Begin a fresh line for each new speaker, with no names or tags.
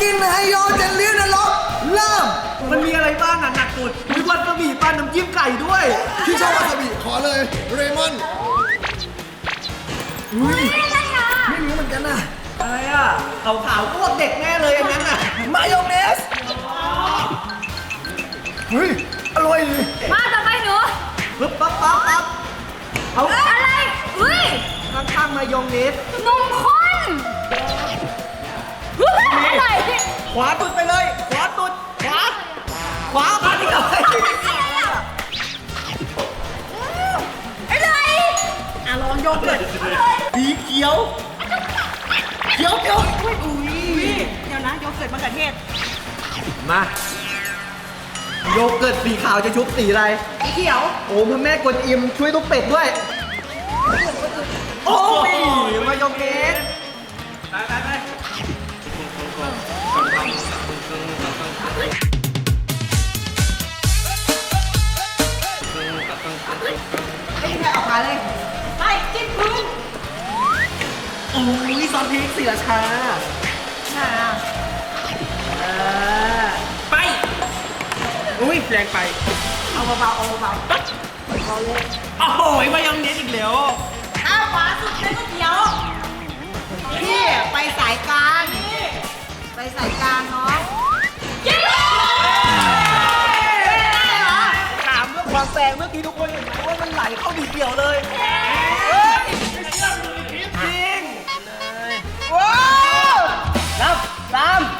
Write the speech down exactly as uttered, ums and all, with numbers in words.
กินไฮโยเจลลี่นรกเริ่ม
มันมีอะไรบ้างอ่ะหนักสุดมีวาซาบิปลาน้ำจิ้มไก่ด้วย
พี่ชอบวาซาบิขอเลยเรมอนอุ้ยไม่รู้เหมือนกันนะ
อะไรอ่ะขาวๆพวกเด็กแน่เลยอันนั้นอ่ะ
มายองเนสเฮ้ยอร่อยเลย
มาต่อไปหนู
ปึ๊บปั๊บปั๊บปั๊บเอา
อะไรอุ้ย
ข้างๆมายองเนส
นมข้นเฮ้ยอร่อยดิ
ขวาตุดไปเลย ขวาตุดขวาขวามาที่ไหน
อร่อย
อ่ะลองโยเกิร์ตสีเขียว เขียวเขียวอุ้ยอุ้ย
เดี๋ยวนะโยเกิร์ตมะเขือเทศ
มาโยเกิร์ตสีขาวจะชุบสีอะไร
สีเขียว
โอ้พระแม่กวนอิมช่วยลูกเป็ดด้วย โอ้ยมายองเนสไปไปไปไม่แค่ออกมาเลย
ไปจิ้มพื้น
โอ้ยซอสพริกสีราชา
ค่ะ
เออไปอุ้ยแรงไป
เอาเบาๆเอาเบา
โอ้โหมายองเนสอีกแล้ว
ๆถ้าขวาสุดเป็นก๋วยเตี๋ยวพี่ไปสายกลางไปสายกลางเนาะเย้
ถามเรื่องความแซงเมื่อกี้ทุกคนเห็นไหมว่ามันไหลเข้าดีเดียวเลยจริงว้าวนับสาม